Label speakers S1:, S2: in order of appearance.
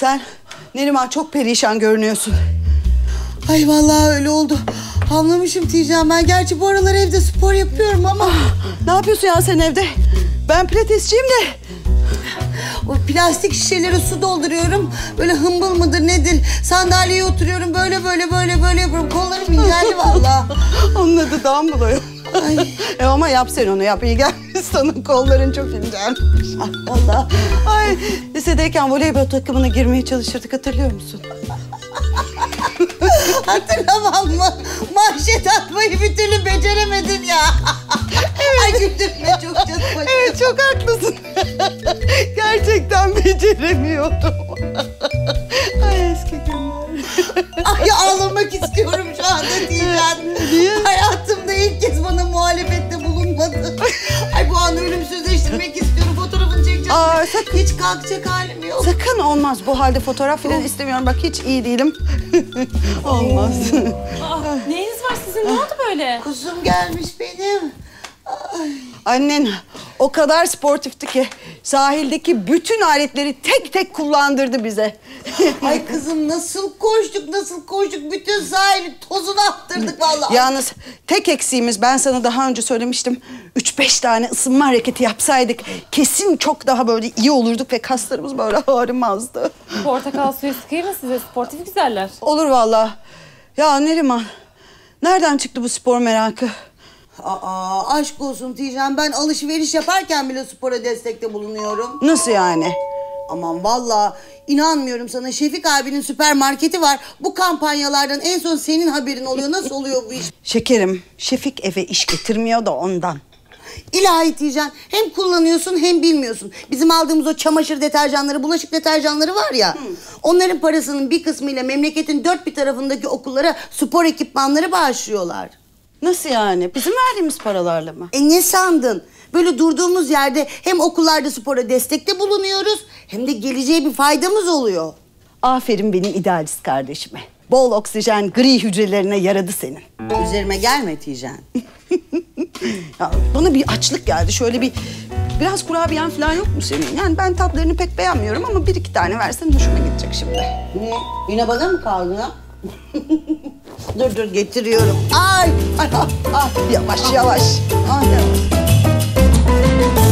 S1: Sen Neriman çok perişan görünüyorsun.
S2: Ay vallahi öyle oldu. Anlamışım Tijan ben. Gerçi bu aralar evde spor yapıyorum ama.
S1: Ne yapıyorsun ya sen evde? Ben pilatesçiyim de.
S2: O plastik şişelere su dolduruyorum. Böyle hımbıl mıdır nedir? Sandalyeye oturuyorum. Böyle yapıyorum. Kollarım inceldi vallahi.
S1: Onun adı dumbbell. Ama yap sen onu yap. İyi gelmiş sana. Kolların çok incelmiş.
S2: Vallahi.
S1: Ay, lisedeyken voleybol takımına girmeye çalışırdık. Hatırlıyor musun?
S2: Hatırlamam mı? Manşet atmayı bir türlü beceremedin ya. Ay güldürme çok canım.
S1: Evet çok haklısın. Gerçekten beceremiyordum. Ay eski günler.
S2: Ay ağlamak istiyorum şu anda Tijan.
S1: Niye?
S2: Hayatımda ilk kez bana muhalefette bulunmadı. Ay bu anı ölümsüzleştirmek istiyorum. Fotoğrafını çekeceğim.
S1: Aa, sakın.
S2: Hiç kalkacak halim yok.
S1: Sakın olmaz. Bu halde fotoğraf falan istemiyorum. Bak hiç iyi değilim. Olmaz.
S3: Neyiniz var sizin? Ne oldu böyle?
S2: Kuzum gelmiş benim. Ay.
S1: Annen o kadar sportifti ki sahildeki bütün aletleri tek tek kullandırdı bize.
S2: Ay kızım nasıl koştuk. Bütün sahili tozunu attırdık vallahi.
S1: Yalnız tek eksiğimiz, ben sana daha önce söylemiştim. 3-5 tane ısınma hareketi yapsaydık kesin çok daha böyle iyi olurduk ve kaslarımız böyle ağrımazdı.
S3: Portakal suyu sıkayım mı size? Sportif güzeller.
S1: Olur vallahi. Ya Neriman, nereden çıktı bu spor merakı?
S2: Aa, aşk olsun Tijan. Ben alışveriş yaparken bile spora destekte bulunuyorum.
S1: Nasıl yani?
S2: Aman vallahi inanmıyorum sana. Şefik abinin süpermarketi var. Bu kampanyalardan en son senin haberin oluyor. Nasıl oluyor bu iş?
S1: Şekerim, Şefik eve iş getirmiyor da ondan.
S2: İlahi Tijan. Hem kullanıyorsun hem bilmiyorsun. Bizim aldığımız o çamaşır deterjanları, bulaşık deterjanları var ya. Onların parasının bir kısmıyla memleketin dört bir tarafındaki okullara spor ekipmanları bağışlıyorlar.
S1: Nasıl yani? Bizim verdiğimiz paralarla mı?
S2: Ne sandın? Böyle durduğumuz yerde hem okullarda spora destekte bulunuyoruz hem de geleceğe bir faydamız oluyor.
S1: Aferin benim idealist kardeşime. Bol oksijen gri hücrelerine yaradı senin.
S2: Üzerime gelme Tijan.
S1: Ya bana bir açlık geldi. Şöyle biraz kurabiyen falan yok mu senin? Yani ben tatlarını pek beğenmiyorum ama 1-2 tane versen hoşuma gidecek şimdi.
S2: Ne? Yine bana mı kaldı ya? dur getiriyorum. Ay.
S1: Yavaş. Yavaş.